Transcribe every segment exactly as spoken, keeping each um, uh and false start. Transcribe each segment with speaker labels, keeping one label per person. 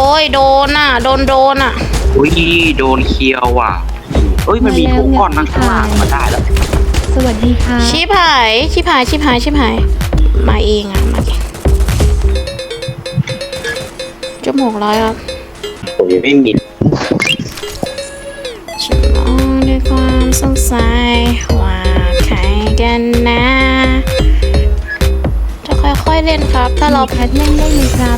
Speaker 1: อ้ยโดนอ่ะโดนโดนอ่ะ
Speaker 2: อุ้ยโดนเคียวว่ะเอ้ยมันมีทุกก้อนนั่งข้างล่างมาได้แล้ว
Speaker 3: สวัสดีค่ะ
Speaker 1: ชิบหายชิบหายชิบหายชิบหายมาเองอ่ะมาเองจมูกร้อยครับ
Speaker 2: ผมยังไม่มี
Speaker 1: ฉันมองด้วยความสงสัยว่าใครกันนะจะค่อยๆเล่นครับ ถ้าเรา
Speaker 3: แพทเล่นได้เลยครับ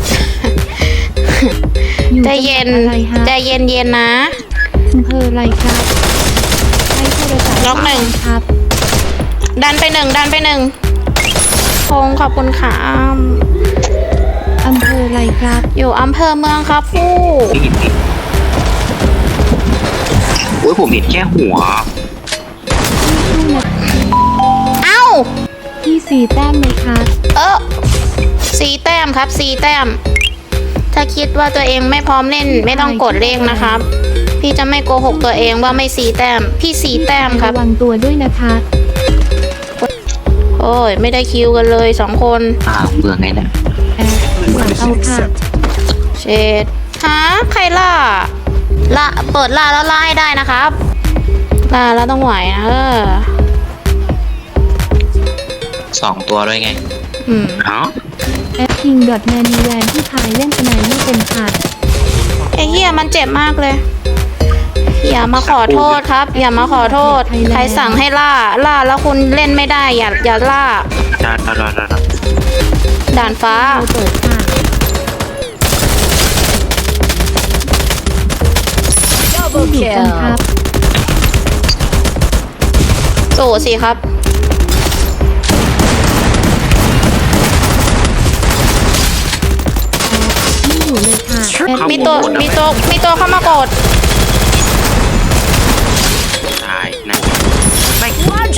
Speaker 3: อยู่
Speaker 1: ใจเย็น
Speaker 3: จังหวัดอะไรฮะ
Speaker 1: ใจเย็นเย็นๆนะ
Speaker 3: อำเภออะไรครับให้โทรศัพท์
Speaker 1: ล็อกหนึ่ง
Speaker 3: ครับ
Speaker 1: ดันไปหนึ่งดันไปหนึ่งพงขอบคุณค่ะ
Speaker 3: อำเภออะไรครับ
Speaker 1: อยู่อำเภอเมืองครับฟู่
Speaker 2: ไม่เห็นดิโอ้ยผมเห็นแค่หัว
Speaker 1: เอ้า
Speaker 3: พี่สี่แต้มเลยครับ
Speaker 1: เออสีแต้มครับสีแต้ม ถ้าคิดว่าตัวเองไม่พร้อมเล่นไม่ต้องกดเลขนะครับ พี่จะไม่โกหกตัวเองว่าไม่สีแต้ม พี่สีแต้มครับ
Speaker 3: ระวังตัวด้วยนะคะ
Speaker 1: โอ้ยไม่ได้คิวกันเลยสองคน
Speaker 2: อ่าเมืองไงเนี่ย
Speaker 3: แอดหลังเอาค่ะ
Speaker 1: เชดฮะใครล่าล่าเปิดล่าแล้วล่าให้ได้นะครับล่าแล้วต้องไหวนะเออ
Speaker 2: สองตัวด้วยไง
Speaker 1: อืม
Speaker 2: เอ้า
Speaker 3: แอดคิงดอทแมนมีแลนด์ที่พายเล่นสนายไม่เป็นค่ะ
Speaker 1: ไอ้เหี้ยมันเจ็บมากเลย อย่ามาขอโทษครับ อย่ามาขอโทษ ใครสั่งให้ล่า ล่าแล้วคุณเล่นไม่ได้ อย่าอย่าล่า
Speaker 2: ได้ได้ได้ได้
Speaker 1: ด่านฟ้า
Speaker 3: เราเปิดค่ะ ที่อยู่กันครับ
Speaker 1: สู่สิครับ
Speaker 3: ไม่อยู่เลยค่ะแอด
Speaker 1: มีตัวมีตัวมีตัวเข้ามากด
Speaker 2: ตายนะไม่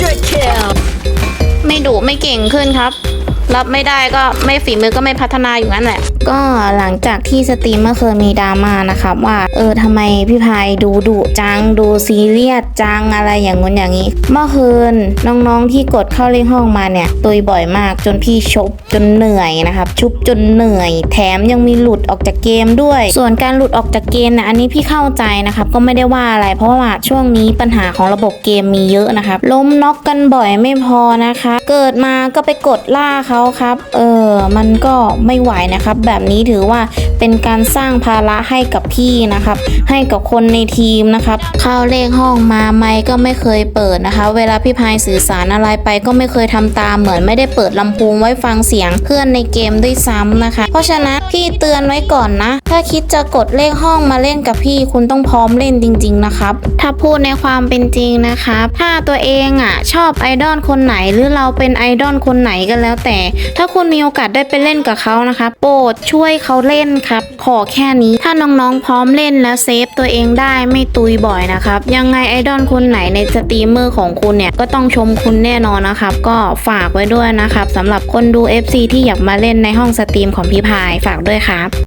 Speaker 1: ไม่ดุไม่เก่งขึ้นครับ รับไม่ได้ก็ไม่ฝีมือก็ไม่พัฒนาอยู่นั่นแหละ ก็หลังจากที่สตรีมเมื่อคืนมีดราม่านะครับว่าเออทำไมพี่พายดูดุจังดูซีเรียสจังอะไรอย่างงู้นอย่างนี้ เมื่อคืนน้องๆที่กดเข้าเลขห้องมาเนี่ยตุยบ่อยมากจนพี่ชบจนเหนื่อยนะครับชุบจนเหนื่อย แถมยังมีหลุดออกจากเกมด้วย ส่วนการหลุดออกจากเกมนะอันนี้พี่เข้าใจนะครับก็ไม่ได้ว่าอะไรเพราะว่าช่วงนี้ปัญหาของระบบเกมมีเยอะนะครับล้มน็อกกันบ่อยไม่พอนะคะเกิดมาก็ไปกดล่าเขาครับเออมันก็ไม่ไหวนะครับแบบนี้ถือว่าเป็นการสร้างภาระให้กับพี่นะครับให้กับคนในทีมนะครับเข้าเลขห้องมาไมค์ก็ไม่เคยเปิดนะคะเวลาพี่พายสื่อสารอะไรไปก็ไม่เคยทำตามเหมือนไม่ได้เปิดลำโพงไว้ฟังเสียงเพื่อนในเกมด้วยซ้ำนะคะเพราะฉะนั้นพี่เตือนไว้ก่อนนะถ้าคิดจะกดเลขห้องมาเล่นกับพี่คุณต้องพร้อมเล่นจริงๆนะครับถ้าพูดในความเป็นจริงนะครับถ้าตัวเองอ่ะชอบไอดอลคนไหนหรือเราเป็นไอดอลคนไหนก็แล้วแต่ถ้าคุณมีโอกาสได้ไปเล่นกับเขานะคะโปรดช่วยเขาเล่นครับขอแค่นี้ถ้าน้องๆพร้อมเล่นแล้วเซฟตัวเองได้ไม่ตุยบ่อยนะครับยังไงไอดอลคนไหนในสตรีมเมอร์ของคุณเนี่ยก็ต้องชมคุณแน่นอนนะครับก็ฝากไว้ด้วยนะครับสำหรับคนดู เอฟ ซี ที่อยากมาเล่นในห้องสตรีมของพี่พายฝากด้วยครับ